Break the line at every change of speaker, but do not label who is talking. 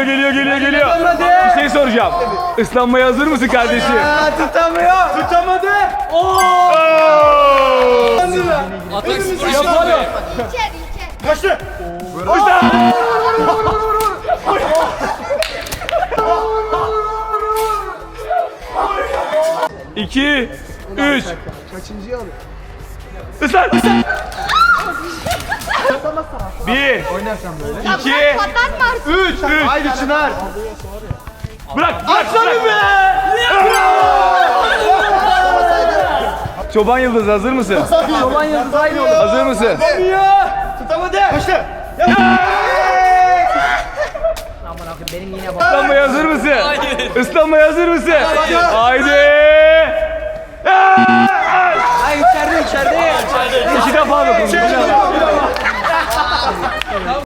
geliyor. Bir şey soracağım. Islanmaya hazır mısın kardeşim?
Tutamıyor. Tutamadı.
Atak spor
Yapalım.
Kaçtı.
İki, üç.
Kaçıncıyı alıyor?
Islan. Bir, iki, üç.
Haydi Çınar.
Bırak. Çoban Yıldız hazır mısın?
Çoban Yıldız aynı oldu.
Hazır mısın?
Tutamadı. Kaçtı.
Islanmaya hazır mısın? Islanmaya hazır mısın? Haydi.
Ay içeride.
İki defa dokundu.